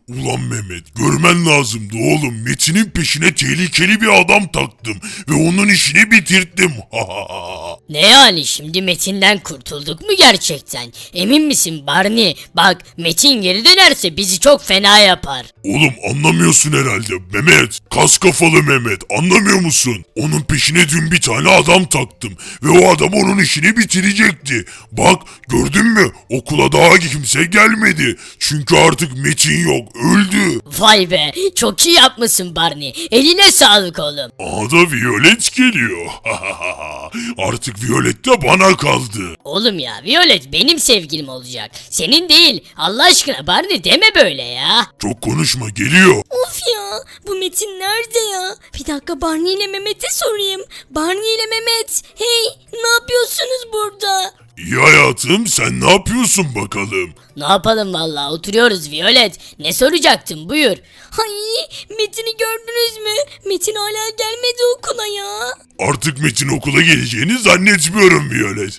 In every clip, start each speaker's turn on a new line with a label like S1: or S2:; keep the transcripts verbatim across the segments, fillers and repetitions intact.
S1: Ulan Mehmet, görmen lazımdı oğlum. Metin'in peşine tehlikeli bir adam taktım ve onun işini bitirttim.
S2: Ne yani, şimdi Metin'den kurtulduk mu gerçekten? Emin misin Barney? Bak, Metin geri dönerse bizi çok fena yapar.
S1: Oğlum anlamıyorsun herhalde Mehmet. Kas kafalı Mehmet, anlamıyor musun? Onun peşine dün bir tane adam taktım ve o adam onun işini bitirecekti. Bak, gördün mü? Okula daha kimse gelmedi. Çünkü artık Metin yok, öldü.
S2: Vay be, çok iyi yapmışsın Barney. Eline sağlık oğlum.
S1: Aha da Violet geliyor. Artık Violet de bana kaldı.
S2: Oğlum ya, Violet benim sevgilim olacak. Senin değil. Allah aşkına Barney deme böyle ya.
S1: Çok konuşma, geliyor.
S3: Of ya, bu Metin nerede ya? Bir dakika, Barney ile Mehmet'e sorayım. Barney ile Mehmet, hey, ne yapıyorsunuz burada?
S1: İyi hayatım, sen ne yapıyorsun bakalım?
S2: Ne yapalım vallahi, oturuyoruz Violet. Ne soracaktın, buyur.
S3: Ay, Metin'i gördünüz mü? Metin hala gelmedi okula ya.
S1: Artık Metin okula geleceğini zannetmiyorum Violet.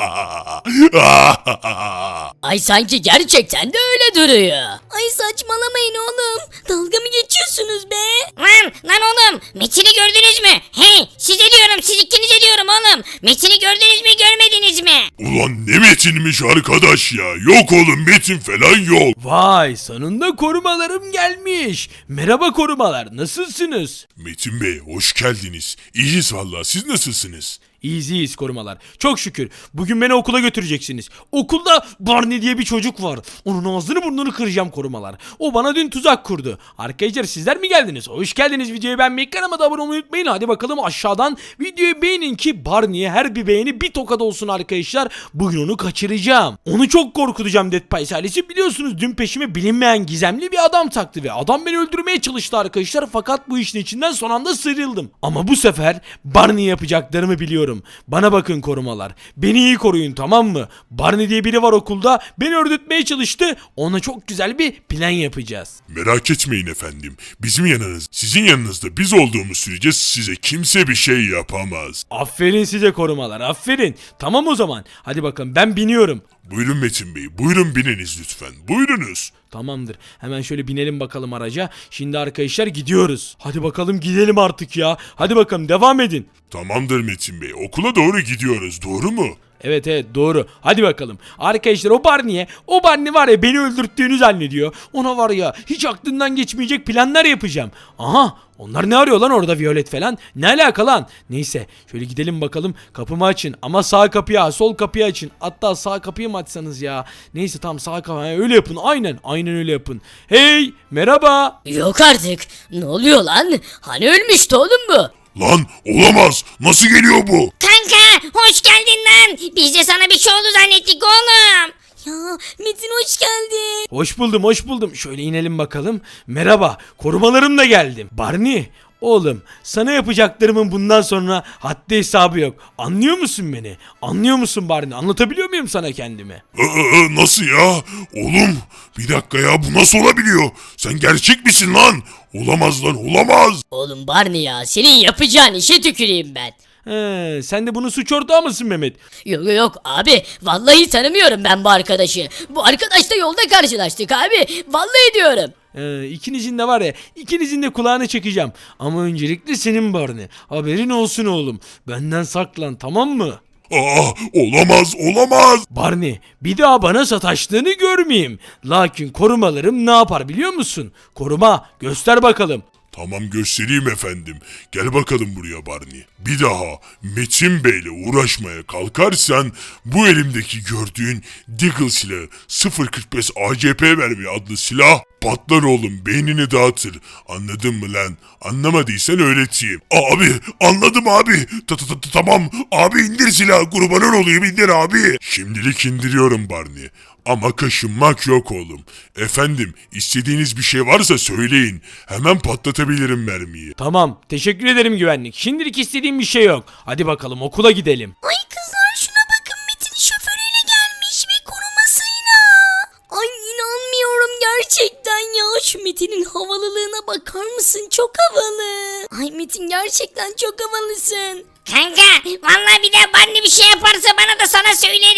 S2: Ay sanki gerçekten de öyle duruyor.
S3: Ay saçmalamayın oğlum. Dalga mı geçiyorsunuz be?
S4: Lan lan oğlum, Metin'i gördünüz mü? Hey, size diyorum, siz ikinize diyorum oğlum. Metin'i gördünüz mü, görmediniz mi?
S1: Ulan ne Metin'miş arkadaş ya. Yok oğlum, Metin falan yok.
S5: Vay, sonunda korumalarım gelmiş. Merhaba korumalar, nasılsınız?
S1: Metin Bey, hoş geldiniz. İyiyiz valla, siz nasılsınız?
S5: İyiyiz iyiyiz korumalar. Çok şükür. Bugün beni okula götüreceksiniz. Okulda Barney diye bir çocuk var. Onun ağzını burnunu kıracağım korumalar. O bana dün tuzak kurdu. Arkadaşlar sizler mi geldiniz? Hoş geldiniz. Videoyu beğenmeyi, kanalıma da abone olmayı unutmayın. Hadi bakalım aşağıdan videoyu beğenin ki Barney'e her bir beğeni bir tokat olsun arkadaşlar. Bugün onu kaçıracağım. Onu çok korkutacağım Dead Pies ailesi. Biliyorsunuz dün peşime bilinmeyen gizemli bir adam taktı ve adam beni öldürmeye çalıştı arkadaşlar. Fakat bu işin içinden son anda sıyrıldım. Ama bu sefer Barney yapacaklarımı biliyorum. Bana bakın korumalar. Beni iyi koruyun, tamam mı? Barney diye biri var okulda. Beni öldürtmeye çalıştı. Ona çok güzel bir plan yapacağız.
S1: Merak etmeyin efendim. Bizim yanınız, sizin yanınızda biz olduğumuz sürece size kimse bir şey yapamaz.
S5: Aferin size korumalar, aferin. Tamam o zaman. Hadi bakın, ben biniyorum.
S1: Buyurun Metin Bey, buyurun bininiz lütfen. Buyurunuz.
S5: Tamamdır. Hemen şöyle binelim bakalım araca. Şimdi arkadaşlar gidiyoruz. Hadi bakalım gidelim artık ya. Hadi bakalım devam edin.
S1: Tamamdır Metin Bey, okula doğru gidiyoruz, doğru mu?
S5: Evet evet doğru. Hadi bakalım. Arkadaşlar o Barney'e, o Barney var ya beni öldürttüğünü zannediyor. Ona var ya hiç aklından geçmeyecek planlar yapacağım. Aha, onlar ne arıyor lan orada, Violet falan? Ne alaka lan? Neyse şöyle gidelim bakalım. Kapımı açın ama sağ kapıyı, sol kapıyı açın. Hatta sağ kapıyı mı açsanız ya? Neyse tam sağ kapıyı öyle yapın. Aynen aynen öyle yapın. Hey, merhaba.
S2: Yok artık. Ne oluyor lan? Hani ölmüştü oğlum bu?
S1: Lan olamaz, nasıl geliyor bu?
S4: Kanka, hoş geldin lan. Biz de sana bir şey oldu zannettik oğlum.
S3: Ya Metin hoş geldin.
S5: Hoş buldum hoş buldum. Şöyle inelim bakalım. Merhaba, korumalarımla geldim. Barney, oğlum sana yapacaklarımın bundan sonra haddi hesabı yok. Anlıyor musun beni? Anlıyor musun Barney? Anlatabiliyor muyum sana kendimi?
S1: Ee, nasıl ya? Oğlum bir dakika ya, bu nasıl olabiliyor? Sen gerçek misin lan? Olamaz lan, olamaz.
S2: Oğlum Barney ya, senin yapacağın işe tüküreyim ben.
S5: He, sen de bunun suç ortağı mısın Mehmet?
S2: Yok yok yok abi, vallahi tanımıyorum ben bu arkadaşı. Bu arkadaşla yolda karşılaştık abi. Vallahi diyorum.
S5: Ee, ikinizin de var ya, ikinizin de kulağını çekeceğim. Ama öncelikle senin Barney. Haberin olsun oğlum. Benden saklan, tamam mı?
S1: Aa, olamaz, olamaz.
S5: Barney, bir daha bana sataştığını görmeyeyim. Lakin korumalarım ne yapar biliyor musun? Koruma, göster bakalım.
S1: Tamam, göstereyim efendim. Gel bakalım buraya Barney. Bir daha Metin Bey'le uğraşmaya kalkarsan bu elimdeki gördüğün Deagle silahı sıfır kırk beş A C P mermi adlı silah patlar oğlum, beynini dağıtır. Anladın mı lan? Anlamadıysan öğreteyim. Abi anladım abi. Ta ta ta tamam abi, indir silahı, kurbanın olayım, indir abi. Şimdilik indiriyorum Barney. Ama kaşınmak yok oğlum. Efendim, istediğiniz bir şey varsa söyleyin. Hemen patlatabilirim mermiyi.
S5: Tamam, teşekkür ederim güvenlik. Şimdilik istediğim bir şey yok. Hadi bakalım okula gidelim.
S3: Ay kızlar şuna bakın, Metin şoförüyle gelmiş ve korumasıyla. Ay inanmıyorum gerçekten ya. Şu Metin'in havalılığına bakar mısın? Çok havalı. Ay Metin gerçekten çok havalısın.
S4: Kanka, vallahi bir daha Barney bir şey yaparsa bana da sana söylerim.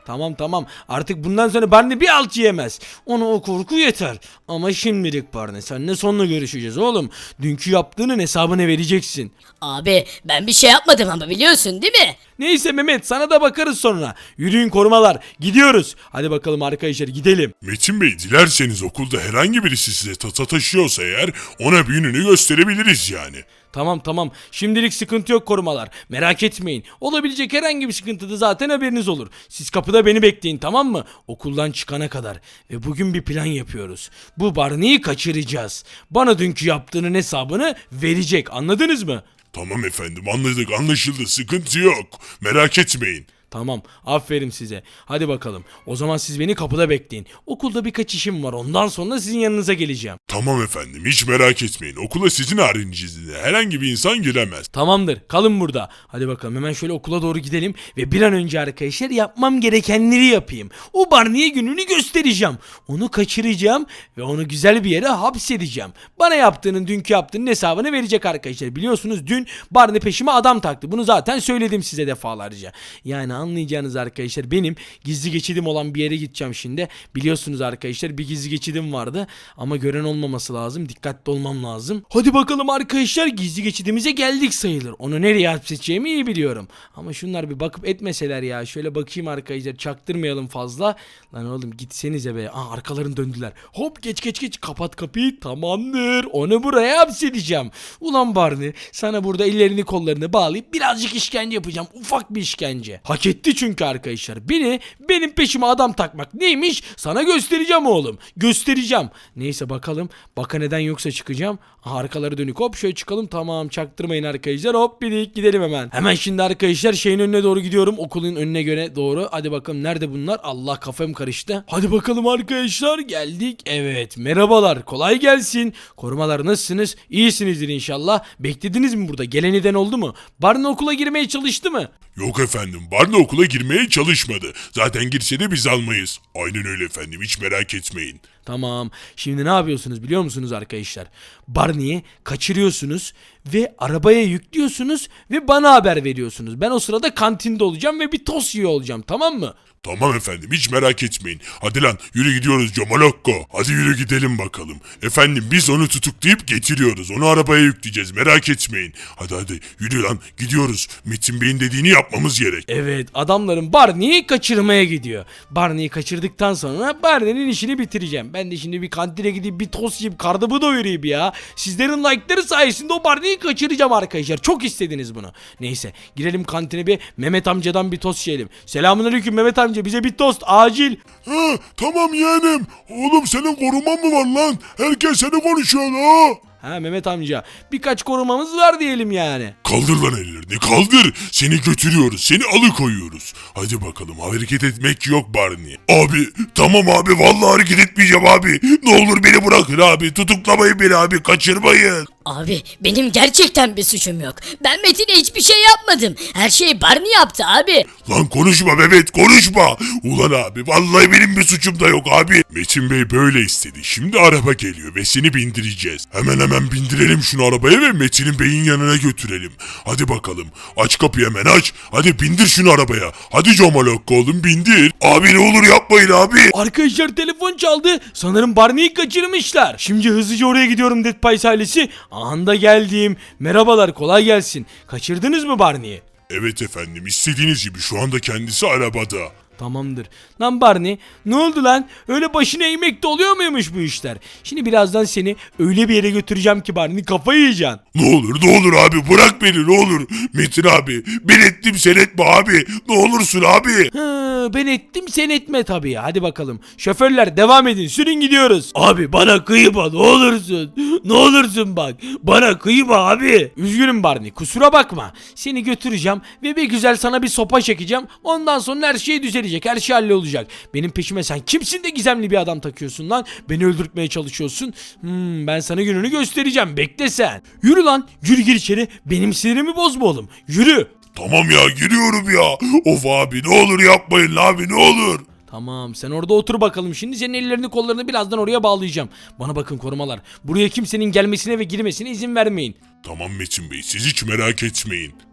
S5: Tamam tamam artık bundan sonra Barney bir alt yiyemez. Ona o korku yeter. Ama şimdilik Barney seninle sonra görüşeceğiz oğlum. Dünkü yaptığının hesabını vereceksin.
S2: Abi ben bir şey yapmadım ama biliyorsun değil mi?
S5: Neyse Mehmet sana da bakarız sonra. Yürüyün korumalar gidiyoruz. Hadi bakalım arkadaşlar gidelim.
S1: Metin Bey dilerseniz okulda herhangi birisi size tasa taşıyorsa eğer ona büyününü gösterebiliriz yani.
S5: Tamam tamam şimdilik sıkıntı yok korumalar. Merak etmeyin. Olabilecek herhangi bir sıkıntıda zaten haberiniz olur. Siz kapıda beni bekleyin tamam mı? Okuldan çıkana kadar. Ve bugün bir plan yapıyoruz. Bu Barney'i kaçıracağız. Bana dünkü yaptığının hesabını verecek anladınız mı?
S1: Tamam efendim anladık anlaşıldı sıkıntı yok. Merak etmeyin.
S5: Tamam aferin size. Hadi bakalım. O zaman siz beni kapıda bekleyin. Okulda birkaç işim var. Ondan sonra sizin yanınıza geleceğim.
S1: Tamam efendim hiç merak etmeyin. Okula sizin haricinizde herhangi bir insan giremez.
S5: Tamamdır. Kalın burada. Hadi bakalım hemen şöyle okula doğru gidelim ve bir an önce arkadaşlar yapmam gerekenleri yapayım. O Barney'e gününü göstereceğim. Onu kaçıracağım ve onu güzel bir yere hapsedeceğim. Bana yaptığının dünkü yaptığının hesabını verecek arkadaşlar. Biliyorsunuz dün Barney peşime adam taktı. Bunu zaten söyledim size defalarca. Yani anlayacağınız arkadaşlar benim gizli geçidim olan bir yere gideceğim şimdi. Biliyorsunuz arkadaşlar bir gizli geçidim vardı ama gören olmaması lazım. Dikkatli olmam lazım. Hadi bakalım arkadaşlar gizli geçidimize geldik sayılır. Onu nereye hapsedeceğimi iyi biliyorum. Ama şunlar bir bakıp etmeseler ya. Şöyle bakayım arkadaşlar çaktırmayalım fazla. Lan oğlum gitsenize be. Aa arkalarını döndüler. Hop geç geç geç kapat kapıyı. Tamamdır. Onu buraya hapsedeceğim. Ulan Barney sana burada ellerini kollarını bağlayıp birazcık işkence yapacağım. Ufak bir işkence. Hak etti çünkü arkadaşlar. Beni benim peşime adam takmak neymiş? Sana göstereceğim oğlum. Göstereceğim. Neyse bakalım. Baka neden yoksa çıkacağım. Aha, arkaları dönük hop şöyle çıkalım. Tamam çaktırmayın arkadaşlar. Hop bir gidelim hemen. Hemen şimdi arkadaşlar şeyin önüne doğru gidiyorum. Okulun önüne göre doğru. Hadi bakalım nerede bunlar? Allah kafam karıştı. Hadi bakalım arkadaşlar geldik. Evet merhabalar. Kolay gelsin. Korumalar nasılsınız? İyisinizdir inşallah. Beklediniz mi burada? Gelen eden oldu mu? Barney okula girmeye çalıştı mı?
S1: Yok efendim Barney okula girmeye çalışmadı. Zaten girse de biz almayız. Aynen öyle efendim hiç merak etmeyin.
S5: Tamam. Şimdi ne yapıyorsunuz biliyor musunuz arkadaşlar? Barney'i kaçırıyorsunuz ve arabaya yüklüyorsunuz ve bana haber veriyorsunuz. Ben o sırada kantinde olacağım ve bir tost yiyor olacağım tamam mı?
S1: Tamam efendim hiç merak etmeyin. Hadi lan yürü gidiyoruz Comalokko. Hadi yürü gidelim bakalım. Efendim biz onu tutuklayıp getiriyoruz. Onu arabaya yükleyeceğiz merak etmeyin. Hadi hadi yürü lan gidiyoruz. Metin Bey'in dediğini yapmamız gerek.
S5: Evet adamların Barney'i kaçırmaya gidiyor. Barney'i kaçırdıktan sonra Barney'nin işini bitireceğim. Ben de şimdi bir kantine gidip bir tost yiyip karnımı doyurayım ya. Sizlerin like'ları sayesinde o Barney'i kaçıracağım arkadaşlar. Çok istediniz bunu. Neyse girelim kantine bir Mehmet amcadan bir tost yiyelim. Selamünaleyküm Mehmet amca. Bize bir tost acil.
S1: Ha, tamam yeğenim. Oğlum senin koruman mı var lan? Herkes seni konuşuyor ha.
S5: Ha Mehmet amca birkaç korumamız var diyelim yani.
S1: Kaldır lan ellerini kaldır. Seni götürüyoruz. Seni alıkoyuyoruz. Hadi bakalım hareket etmek yok Barney. Abi tamam abi vallahi hareket etmeyeceğim abi. Ne olur beni bırakın abi. Tutuklamayın beni abi kaçırmayın.
S2: Abi benim gerçekten bir suçum yok. Ben Metin'e hiçbir şey yapmadım. Her şeyi Barney yaptı abi.
S1: Lan konuşma Mehmet konuşma. Ulan abi vallahi benim bir suçum da yok abi. Metin Bey böyle istedi. Şimdi araba geliyor ve seni bindireceğiz. Hemen hemen bindirelim şunu arabaya ve Metin'in beyin yanına götürelim. Hadi bakalım. Aç kapıyı hemen aç. Hadi bindir şunu arabaya. Hadi Comalokko oğlum bindir. Abi ne olur yapmayın abi.
S5: Arkadaşlar telefon çaldı. Sanırım Barney'i kaçırmışlar. Şimdi hızlıca oraya gidiyorum Dead Pies ailesi. Anda geldim. Merhabalar kolay gelsin. Kaçırdınız mı Barney'i?
S1: Evet efendim istediğiniz gibi şu anda kendisi arabada.
S5: Tamamdır. Lan Barney ne oldu lan? Öyle başına eğmekte oluyor muymuş bu işler? Şimdi birazdan seni öyle bir yere götüreceğim ki Barney kafayı yiyeceksin.
S1: Ne olur ne olur abi bırak beni ne olur. Metin abi ben ettim sen etme abi. Ne olursun abi.
S5: Hı, ben ettim sen etme tabii. Hadi bakalım. Şoförler devam edin. Sürün gidiyoruz. Abi bana kıyma ne olursun. Ne olursun bak. Bana kıyma abi. Üzgünüm Barney kusura bakma. Seni götüreceğim ve bir güzel sana bir sopa çekeceğim. Ondan sonra her şey düzelecek. Her şey hallolacak. Benim peşime sen kimsin de gizemli bir adam takıyorsun lan. Beni öldürtmeye çalışıyorsun. Hmm, ben sana gününü göstereceğim. Bekle sen. Yürü lan. Yürü gir içeri. Benim sinirimi bozma oğlum. Yürü.
S1: Tamam ya giriyorum ya. Of abi ne olur yapmayın abi ne olur.
S5: Tamam sen orada otur bakalım. Şimdi senin ellerini kollarını birazdan oraya bağlayacağım. Bana bakın korumalar. Buraya kimsenin gelmesine ve girmesine izin vermeyin.
S1: Tamam Metin Bey siz hiç merak etmeyin.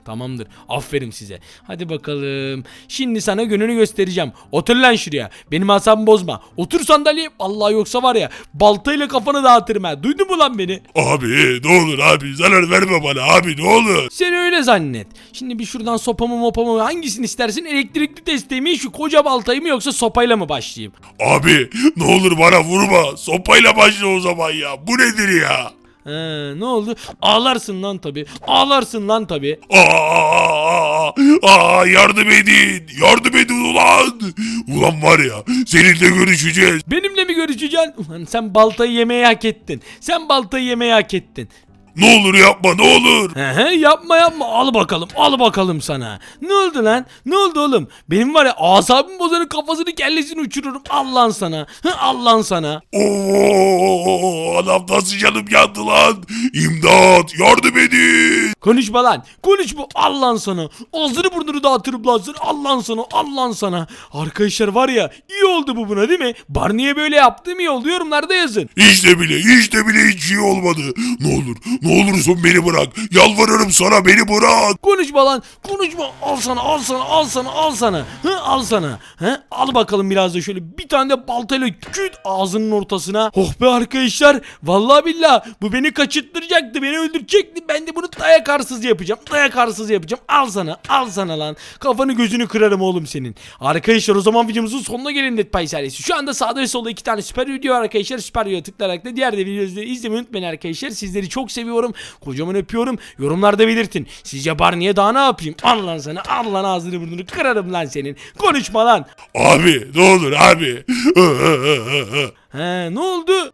S5: Tamamdır. Aferin size. Hadi bakalım. Şimdi sana gününü göstereceğim. Otur lan şuraya. Benim asabımı bozma. Otur sandalyeye. Vallahi yoksa var ya baltayla kafanı dağıtırım ha. Duydun mu lan beni?
S1: Abi ne olur abi zarar verme bana abi ne olur.
S5: Sen öyle zannet. Şimdi bir şuradan sopamı mopamı hangisini istersin? Elektrikli testeyi mi, şu koca baltayı mı, yoksa sopayla mı başlayayım?
S1: Abi ne olur bana vurma. Sopayla başla o zaman ya. Bu nedir ya?
S5: He, ne oldu? Ağlarsın lan tabi. Ağlarsın lan tabi.
S1: Aa, aa, yardım edin. Yardım edin ulan. Ulan var ya seninle görüşeceğiz.
S5: Benimle mi görüşeceksin? Ulan sen baltayı yemeyi hak ettin. Sen baltayı yemeyi hak ettin.
S1: Ne olur yapma ne olur.
S5: He yapma yapma, al bakalım al bakalım sana. Ne oldu lan? Ne oldu oğlum? Benim var ya asabım bozanın kafasını kellesini uçururum. Al lan sana. Hı, al lan sana.
S1: Oo, adam nasıl canım yandı lan. İmdat yardım edin.
S5: Konuşma lan. Konuşma. Al lan sana. Ağzını burnunu dağıtırım lan sana. Al lan sana. Al lan sana. Arkadaşlar var ya, iyi oldu bu buna değil mi? Barney'e böyle yaptığım iyi oldu. Yorumlarda yazın.
S1: İşte bile işte bile hiç iyi olmadı. Ne olur ne olursun beni bırak. Yalvarırım sana beni bırak.
S5: Konuşma lan. Konuşma. Al sana al sana al sana al sana. Hı, al sana. Hı, al bakalım biraz da şöyle bir tane de baltayla küt ağzının ortasına. Oh be arkadaşlar. Vallahi billahi bu beni kaçırttıracaktı. Beni öldürecekti. Ben de bunu dayak arsız yapacağım. Dayak arsız yapacağım. Al sana. Al sana lan. Kafanı gözünü kırarım oğlum senin. Arkadaşlar o zaman videomuzun sonuna gelin Dead Pie serisi. Şu anda sağda ve solda iki tane süper video var arkadaşlar. Süper videoya tıklayarak da diğer de videoları izlemeyi unutmayın arkadaşlar. Sizleri çok seviyorum. Kocaman öpüyorum. Yorumlarda belirtin. Sizce Barney'e daha ne yapayım? Al lan sana. Al lan ağzını burnunu kırarım lan senin. Konuşma lan.
S1: Abi ne olur abi.
S5: He ne oldu?